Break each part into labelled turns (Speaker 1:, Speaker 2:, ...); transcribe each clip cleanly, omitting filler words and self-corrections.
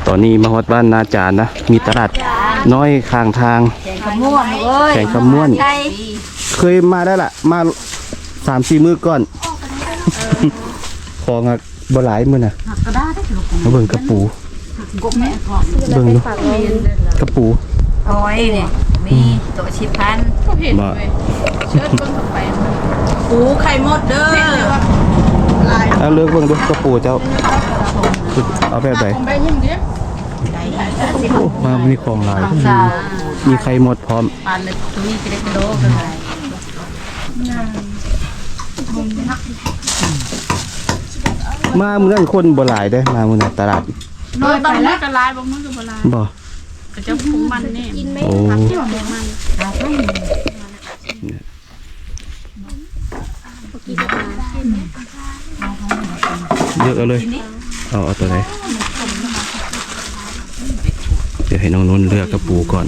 Speaker 1: ตอนนี้มาฮอดบ้านนาจารนะมีตลาดน้อยข้างทาง
Speaker 2: แข่งขม้วนเว้ย
Speaker 1: แข่งขม้วนเคยมาได้ละมา3-4 มื้อก่อนของบ่หลายมื้อน่ะมาเบิ่งกระปูเบิ่งดูกระปู
Speaker 2: โอ้ยเนี่ยมีตัวชิพัน
Speaker 1: บ่
Speaker 2: ปูไข่มดเด้อ
Speaker 1: เอาเลือกเบิ่งดูกระปูเจ้าเอาแบบไหนมามีของหลายมีไข่หมดพร้อม
Speaker 2: ปานเลยตัวนี้กิโลกันอะไร
Speaker 1: มาเมืองคนบ่หลายได้มาเมืองตลาด
Speaker 3: น้อยต้องมันจะลายบ่มันก็บ่ลาย
Speaker 1: บ่
Speaker 3: ก็จะพุงมันนี่
Speaker 1: โอ้เยอะเลยเอาตัวไหนเดี๋ยวให้น้องนุ่นเลือกกระปูก่อน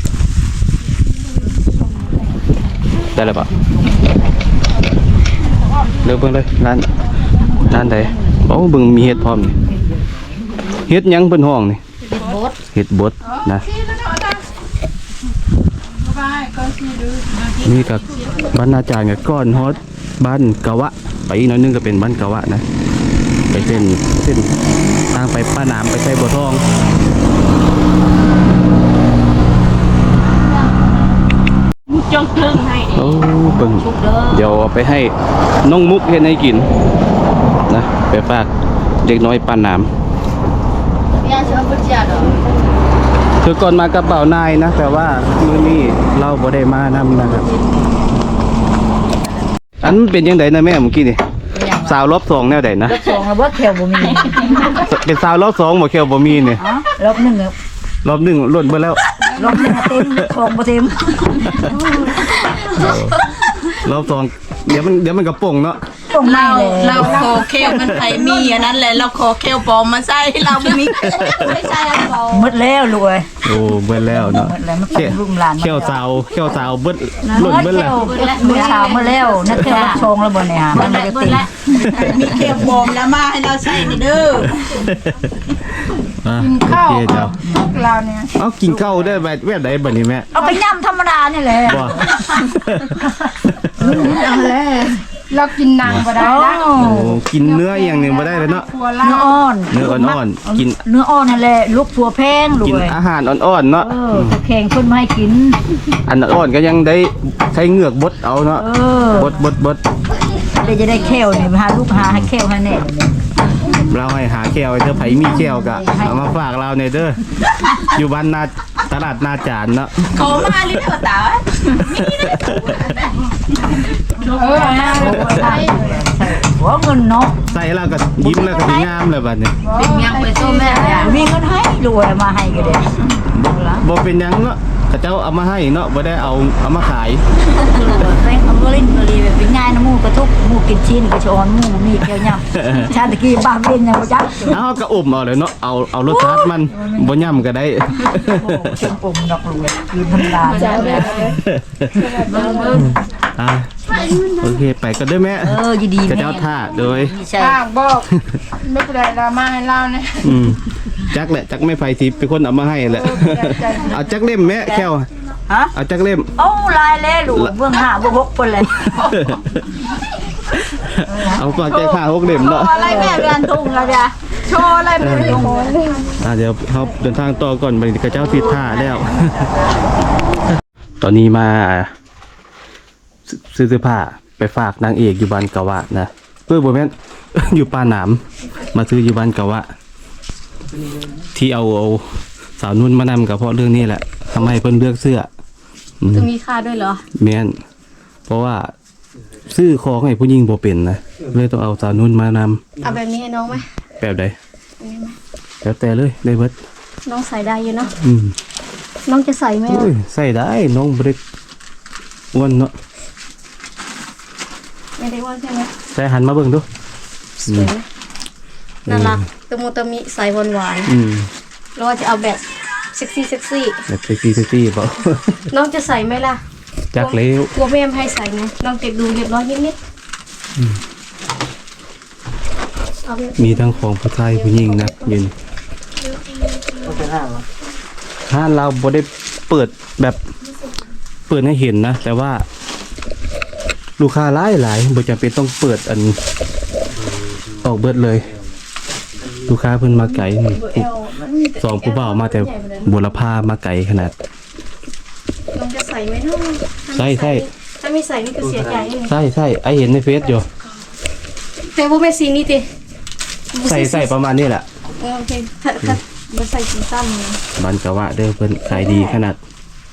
Speaker 1: ได้แล้วปะเลือกเบิ่งเลยร้านใดโอ้เบิ่งมีเห็ดพร้อมนี่เห็ดยังเพิ่นห้องนี่เห็ดบดนะนี่กับบ้านนาจารย์กับก้อนฮอดบ้านกะวะไปอีกหน่อยนึงก็เป็นบ้านกะวะนะไปเส้นทางไปป้าน้ำไปใช้บัวทอง
Speaker 3: จงถึงให้
Speaker 1: โอ้เบิ่งเดี๋ยวเอาไปให้น้องมุกเฮ็ดให้กินนะไปฝากเด็กน้อยป้าน้ำคือก่อนมากับเป่านายนะแต่ว่ามื้อนี้เราบ่ได้มานำนะครับอันเป็นยังไงนะแม่เมื่อกี้นี่สาวรอบ2แนวใดนะ
Speaker 2: รอบ2แล้วบ่แถวบ่มี
Speaker 1: เป็นสาวรอบ2บ่แค่บ่มีนี่
Speaker 2: รอบ1ครับ
Speaker 1: รอบ1ล้วนเบิดแล้ว
Speaker 2: รอบ1เต็มของบ่เต็ม
Speaker 1: รอบ2เดี๋ยวมันกระป่งเนาะ
Speaker 2: เราขอเคลมันไผมีอันนั้นแหละเราขอเคลปลอมมาใส่เราบ่มีไม่ใช่ปลอมหมดแล้วลูกเอ้ย
Speaker 1: โอ้เบิดแล้วเนาะ
Speaker 2: เขี้ยวรุ่มหลาน
Speaker 1: เขี้ยวสาวเบิดล้วนเบิดแล้ว
Speaker 2: มื้อเช้ามาแล้วนักเขี้ยวรับชงแล้วบ่เนี่ยมันไม่ได้ติดมีเคลปลอมแล้วมาให้เราใส่นี่เด้อ
Speaker 1: กินข้าว
Speaker 2: เราเนี่ย
Speaker 1: เอากินข้าวได้แบบใดบัดนี้แม่
Speaker 2: เอาไปย่ำธรรมดานี่แหละ
Speaker 1: บ่
Speaker 3: เอาแล้วเรากินนางบ่ได้นะ
Speaker 1: โอ้กินเนื้ออย่างนึงบ่ได้เลยเนาะ
Speaker 2: เนื้ออ่อน
Speaker 1: กิน
Speaker 2: เนื้ออ่อนนั่นแหละลูกผัวแพงลูก
Speaker 1: กินอาหารอ่อนๆเนาะ
Speaker 2: ตะแคงเพิ่นมาให้กิน
Speaker 1: อันอ่อนก็ยังได้ใช้เหงือกบดเอาเนาะบด
Speaker 2: ได้จะได้แควนี่หาลูกหาให้แควให้แน่
Speaker 1: เราให้หาแก้วเธอไผมีแก้วกะเอามาฝากเราในเด้ออยู่บ้านนาตลาดนาจารเนาะ
Speaker 2: ขอมาลิเด้อตาหัวเงินเนาะ
Speaker 1: ใส่แล้วก็ยิ้มแล้วก็งามเลยบัดนี้
Speaker 2: เป็นยังไปสู้แม่มีเงินให้รวยมาให้ก็ได้
Speaker 1: บ่เป็นยังเนาะเขาเจ้าเอามาให้เนาะบ่ได้เอามาขาย
Speaker 2: แป้งเอาลิ้นเลยเป็นง่ายนะหมูกระทุกหมูกินชิ้นกระชอนหมูมีแก้วย่ำชาตะกี้บ้าเป็นยังบ่จัก
Speaker 1: เอาก็อมเอาเลยเนาะเอารสชาติมันบ่ย่ำก็ได้
Speaker 2: เชิงอมดอกรวยกินธรรมดาจ้า
Speaker 1: โอเคไปก็ได้แม่
Speaker 2: ยินดี
Speaker 1: จะเจ้าท่าโดย
Speaker 3: ฝากบอกไม่เป็นไรเรามาให้เรานะ
Speaker 1: จักแหละจักไม่ไฟทิพย์เป็นคนเอามาให้แหละเอาจักเล่มแม่แก้วเอาจักเล่ม
Speaker 2: โอ้ลายเล่หลูเบื้อง5เบื้อง6คนเลย
Speaker 1: เอาฝากแก้ผ้า6เล่มเนาะ
Speaker 2: อะไรแม่เรียนทุ่งแล้วจ้ะโชว์อะไรแม่ทุ่ง
Speaker 1: เดี๋ยวเขาเดินทางต่อก่อนไปกับเจ้าทิศท่าแล้วตอนนี้มาซื้อผ้าไปฝากนางเอกอยู่บ้านกะวะนะเพื่อบ่แม่นอยู่ป้าหนามมาซื้ออยู่บ้านกะวะที่เอาสาวนุ่นมานำกับเพราะเรื่องนี้แหละทำให้เพิ่นเลือกเสื้อ
Speaker 3: จะมีค่าด้วยเหรอ
Speaker 1: แม่นเพราะว่าซื้อของให้ผู้หญิงบ่เป็นนะเลยต้องเอาสาวนุ่นมาน
Speaker 3: ำเอาแบบนี้ให้น้องไหม
Speaker 1: แบบใดแล้วแต่เลยได้เบิด
Speaker 3: น้องใส่ได้อยู่เนาะน้องจะใส่ไหม
Speaker 1: ใส่ได้น้องบ่ได้อ้วนเนาะ
Speaker 3: ไม่ได้ว่าใช่ไหม
Speaker 1: ใส่หันมาเบิ่งดู
Speaker 3: สวยไหมน่ารักตะมูตะมิใส่หวานเราจะเอาแบบเซ็กซี่
Speaker 1: แบบเซ็กซี่เปล่า
Speaker 3: น้องจะใส่ไหมล่ะ
Speaker 1: จักเล้ว
Speaker 3: กลัวแม่ให้ใส่ไงน้องเก็บดูเรียบร้อยนิด
Speaker 1: มีทั้งของผู้ชายผู้หญิงนะยืน
Speaker 4: เป็นห้างเหรอ
Speaker 1: ห้านเราบ่ได้เปิดแบบเปิดให้เห็นนะ แต่ว่า ลูกค้าหลายบ่จำเป็นต้องเปิดอันออกเบิดเลย ลูกค้าเพิ่นมาไกลนี่สองผู้บ่าวมาแต่บุรพามาไกลขนาด
Speaker 3: ลองจะใส่ไหมเนาะ
Speaker 1: ใส่
Speaker 3: ถ้าไม่ใส่นี่ก็เสียใจเลย
Speaker 1: ใส่ไอเห็นในเฟซอยู่
Speaker 3: แต่ว่าไม่สีนี่ติ
Speaker 1: ใส่ประมาณนี้แหละ
Speaker 3: โอเคถ้าบ่ใส่สีซ้ำเลย
Speaker 1: บันกะวะเด้อเพิ่นขายดีขนาด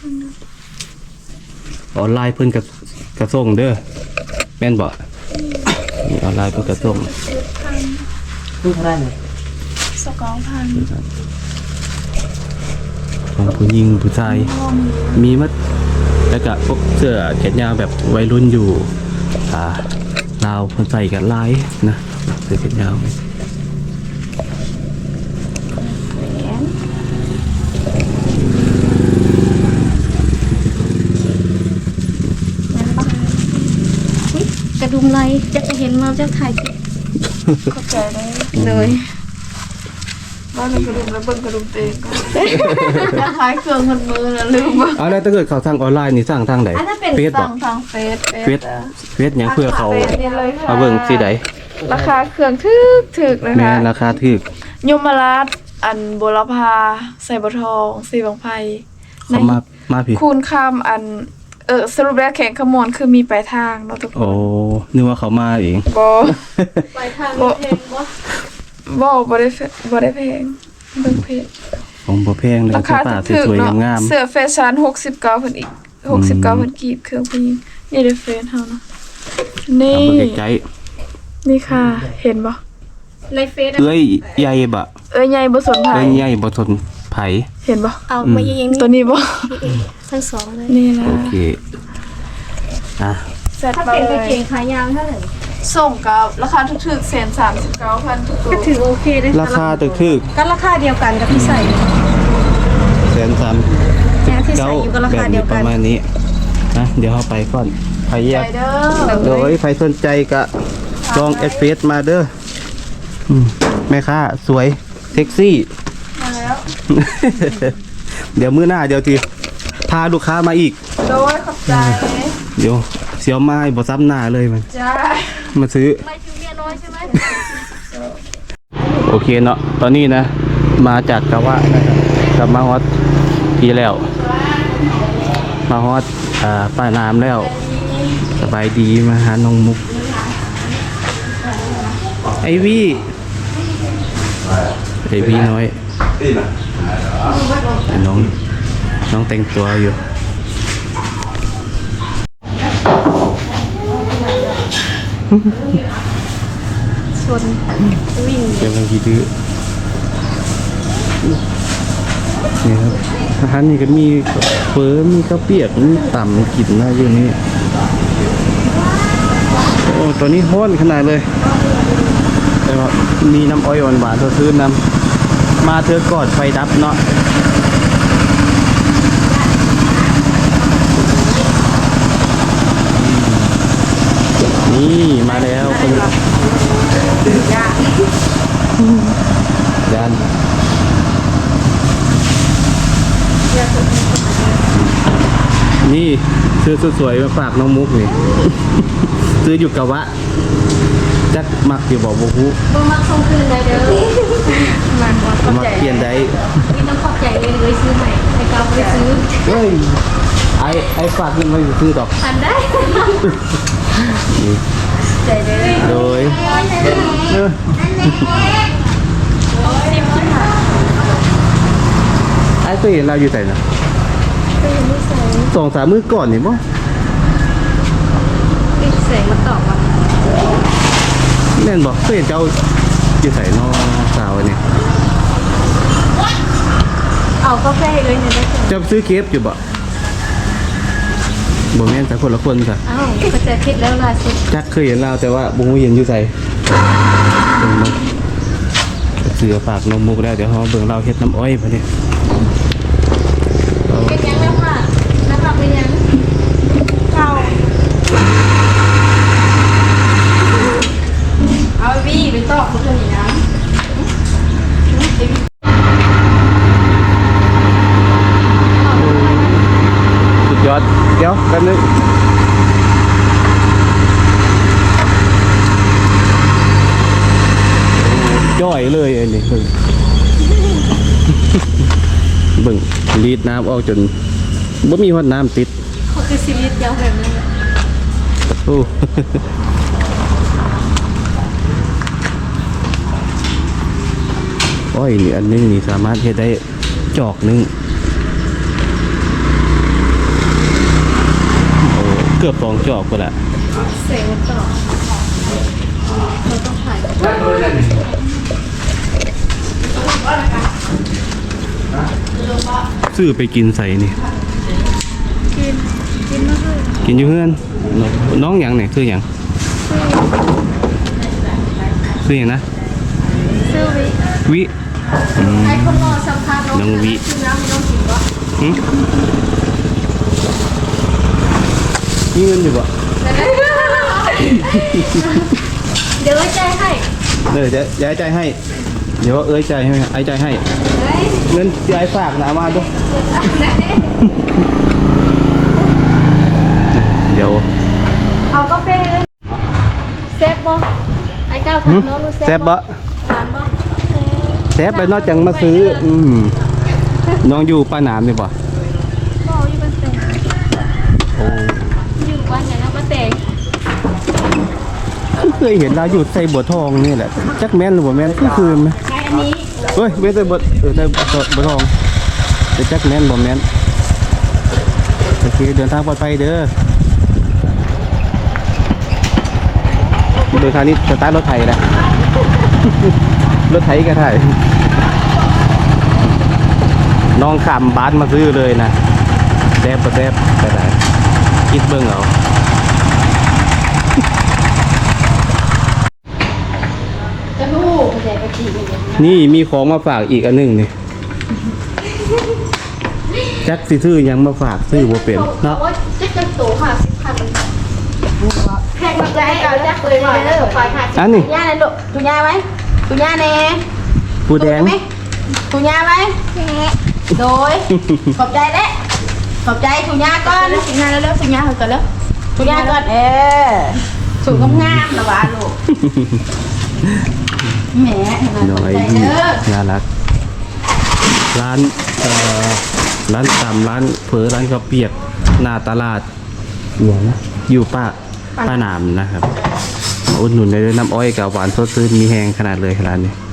Speaker 1: ออนไลน์เพิ่นกระส่งเด้อแม่นบ่นี่ออนไลน์เพิ่นกระส่ง
Speaker 4: ลูกเท่าไหร่เนี่ย
Speaker 1: ของผู้หญิงผู้ชายมีหมัดแล้วก็พวกเสื้อแขนยาวแบบวัยรุ่นอยู่ลาวเพิ่นใส่กันหลายนะเสื้อแขนยาว
Speaker 3: กระดุมไรจะเห็นมาจะถ่ายติด
Speaker 2: เข้าใจเลย
Speaker 3: เลย
Speaker 2: บ้านมันกระดุมแล้วเบิ่งกระดุมเตงก็จะขายเครื่องมันมือแล้วลืมว่า
Speaker 1: เอาแล้วถ้าเกิดเขาสั่งออนไลน์นี่สั่งทางไหน
Speaker 3: อันนั้นเป็น
Speaker 1: เฟซบ่
Speaker 2: สั่งทางเฟซ
Speaker 1: เฟซหยังเพื่อเขา
Speaker 2: นี่เลยค่ะ
Speaker 1: มาเบิ่งสิใด
Speaker 5: ราคาเครื่องถึกเลย
Speaker 1: แม่
Speaker 5: ค่ะ
Speaker 1: ราคาถูก
Speaker 5: ยมราชอันบุรพาใส่บะทองสีบางไพ
Speaker 1: เขามาพี่
Speaker 5: คูณคำอันสรุปแล้วแข่งขมวนคือมีปลายทางเนาะทุกค
Speaker 1: โอ้
Speaker 5: น
Speaker 1: นึกว่าเขามาเอง
Speaker 5: บ่
Speaker 3: ไปทางนี้เพลงบ่
Speaker 5: บ่ได้แพงเบิ่งเพจ
Speaker 1: ของบ่แพงเลย
Speaker 5: รา
Speaker 1: เสื้
Speaker 5: คา
Speaker 1: อผ้า
Speaker 5: ถึก
Speaker 1: สวย
Speaker 5: เนาะ
Speaker 1: ๆงาม
Speaker 5: เสื้อแฟชั่น69เพิ่นอีก69เพิ่นกีบเครื่องผู้หญิงนี่เด้อเฟซเฮาเนาะ
Speaker 1: ๆ
Speaker 5: นี่
Speaker 1: เอาเบิ่งใกล้
Speaker 5: นี่ค่ะ เห็นบ่
Speaker 3: ในเฟซ
Speaker 1: ๆเอ้ยใหญ่บ่
Speaker 5: ใหญ่บ่สนไผ
Speaker 1: เอ้ยใหญ่บ่ทนไผ
Speaker 5: เห็นบ่
Speaker 3: เอามาเอง
Speaker 5: ตัวนี้บ่
Speaker 3: ทั้งสองเลย
Speaker 5: นี่นะ
Speaker 1: โอเคอ่ะ
Speaker 5: เสร็จ
Speaker 3: ถ้า
Speaker 5: มา
Speaker 3: เป็น
Speaker 5: เล
Speaker 3: กาง
Speaker 5: ย
Speaker 3: เกงขายาวเท่าไหร่
Speaker 5: ส่งกับราคาถูกๆ139,000ทุกตัว
Speaker 3: ก็ถือโอเคเลย
Speaker 1: ราคาถูก
Speaker 3: ก็ราคาเดียวกันกับที่ใส่
Speaker 1: ๆ130
Speaker 3: เนี่ยที่ใส่อยู่ก็รา
Speaker 1: แบบ
Speaker 3: คาเดี
Speaker 1: นี้
Speaker 3: ยว
Speaker 1: ป
Speaker 3: กัน
Speaker 1: ระมาณนี้นะเดี๋ยวเฮาไปก่อนไผแยก
Speaker 5: ไปเด้อ
Speaker 1: โดยใครสนใจก็จองเอสเฟสมาเด้อแม่ค้าสวยเซ็กซี่
Speaker 5: มาแล้ว
Speaker 1: เดี๋ยวมื้อหน้าเดี๋ยวทีพาลูกค้ามาอีก
Speaker 5: โดยขอบใจ
Speaker 1: เดี๋ยวเสียวไม้บ่ซ้ำหน้าเลยมัน
Speaker 5: จ้า
Speaker 1: มาซื้อ
Speaker 3: ไม่ชูเมียน้อยใช่ไหม
Speaker 1: โอเคเนาะตอนนี้นะ มาจากกะวะนะครับกลับมาฮอดพี่แล้ว มาฮอดป้าน้ำแล้ว สบายดีมาหาน้องมุก ไอวี่น้อยน้องแต่งตัวอยู่
Speaker 3: ชนวิ่ง
Speaker 1: เดี๋ยวเรากี่ดื้อนี่ครับอาหารนี่ก็มีเฟอมีข้าวเปียกมีต่ำกินนะอยู่นี่โอ้ตัวนี้ห้อนขนาดเลย แต่ว่ามีน้ำอ้อยหวานๆตัวซื้อน้ำมาเธอกอดไฟดับเนาะนี่มาแล้วคนยันนี่ซื้อสวยๆมาฝากน้องมุกนี่ ซื้ออยู่กะวะจักมักอยู่บอกบุฮู
Speaker 3: บ่มักส่งคืนเลยเด้อมันบ่เข้า
Speaker 1: มัก
Speaker 3: ใจ
Speaker 1: เปลี่ยนได้
Speaker 3: มีต้องขอบใจเลยซื้อใหม่ให้เก่าบ่ได้ซื้อ
Speaker 1: เฮ้ยไอ้ฝากเงินมาอยู่ซื้อดอก
Speaker 3: อันได้
Speaker 1: นี่
Speaker 3: ใจเด้อ
Speaker 1: โดยไอ้เคยเห็นเราอยู่ไหนนะ
Speaker 3: ก็ยังไม่ใส่
Speaker 1: 2-3 มื้อก่อนนี่บ่
Speaker 3: ปิดแสงมาตอบว่า
Speaker 1: แน่นบ่เคยเห็นเจ้าอยู่ไหนน้องสาวอันนี่
Speaker 3: เอากาแฟเลยเนี่ยได้จ้ะ
Speaker 1: เจ้าซื้อเคฟอยู่บ่บ่แม่นแต่คนละคนจ้ะ
Speaker 3: อ้าวก็จะคิดแล้วล่ะสิ
Speaker 1: จักเคยเห็นเราแต่ว่าบ่ฮู้เห็นอยู่ไสเบิ่งมาเสือฝากนมมุกแล้วเดี๋ยวเฮาเบิ่งเราเฮ็ดน้ำอ้อยบัดนี้
Speaker 3: เป็นยังแล้วค่ะน้ำหนักเป็นยัง
Speaker 5: เอาวี่ไปตอกทุกคนอย่างนี้นะ
Speaker 1: เบิ่งรีดน้ำออกจนบ่มีฮอดน้ำติด
Speaker 3: เขาคือซีรีส์ยาวแบบนั้น
Speaker 1: โอ้ อ้อยนี่อันนึงนี่สามารถเฮ็ดได้จอกนึงโอ้เกือบ2จอกพุ่นละ
Speaker 3: เสียงต่อเราต้องถ่าย
Speaker 1: ซื้อไปกินใส่นี่
Speaker 5: กินมาเลย
Speaker 1: กินอยู่เพื่อนน้องหยังเนี่ยคือหยังคือหยังนะ
Speaker 3: ซื้อวิ
Speaker 1: วิอืม
Speaker 3: ไอ้คนรอสัมภาษณ์
Speaker 1: น้องวิ
Speaker 3: ซื้อน้ำไม่ต้องกินวะ
Speaker 1: หึมีเงินอยู่บ่
Speaker 3: เดี๋ยวไว้ใจให้
Speaker 1: เดี๋ยวจะย้ายใจให้ เดี๋ยวเอ้ยใจให้ไอ้ใจให้
Speaker 3: เฮ้ย
Speaker 1: เงินที่ไอ้ฝากนะเอามาดูเดี๋ยว
Speaker 3: เอากาแฟเลยเซฟบ่ไอ้ก้าวถามน้องรู้
Speaker 1: แซ่บบ่
Speaker 3: ถามบ่
Speaker 1: แซ่บไปนอกจากมาซื้อน้องอยู่ป้าหนามนี่บ่
Speaker 3: บ่อยู่บ้านเตง
Speaker 1: โอ้
Speaker 3: อยู่บ้านไหนนะบ้านเตง
Speaker 1: เคยเห็นเราอยู่ใส่บัวทองนี่แหละจักแม่นหรือบ่แม่นก็คือไหม
Speaker 3: ใช้อันนี้
Speaker 1: เฮ้ยเว้นแต่ใส่บัวทองแต่จักแม่นบ่แม่นโอเคเดินทางปลอดภัยเด้อเดินทางนี้สตาร์ทรถไถนะ รถไถก็ถ่ายน้องขำบ้านมาซื้อเลยนะแซ่บก็แซ่บก็ได้คิดเบิ่งเอา
Speaker 3: จะรู้กระแสกระจีอีกอย่าง
Speaker 1: นี่มีของมาฝากอีกอันหนึงนี่จักสิซื้อหยังมาฝากซื้อบ่เป็นเนาะ
Speaker 3: ว่าจะจะโต50,000แพงมากเลยเอาจักเลยมาเลยฝ่ายค่ะ
Speaker 1: อันนี้
Speaker 2: ย่าเลยลูกตุย่าไว้ตุย่าแน่
Speaker 1: ผู้แดง
Speaker 2: ตุย่าไว้โดยขอบใจเด้ขอบใจตุย่าก่อนตุย่าแล้วตุย่าก่อนแล้วตุย่าก่อนสูงงามๆนะวะลูกแหม
Speaker 1: น้อย
Speaker 2: ใจเด้อ
Speaker 1: น่ารักร้านร้านตำร้านเผลอร้านข้าวเปียกหน้าตลาดอยู่ป้าหนามนะครับมาอุดหนุนได้ด้วยน้ำอ้อยกับหวานสดชื่นมีแหงขนาดเลยร้านนี้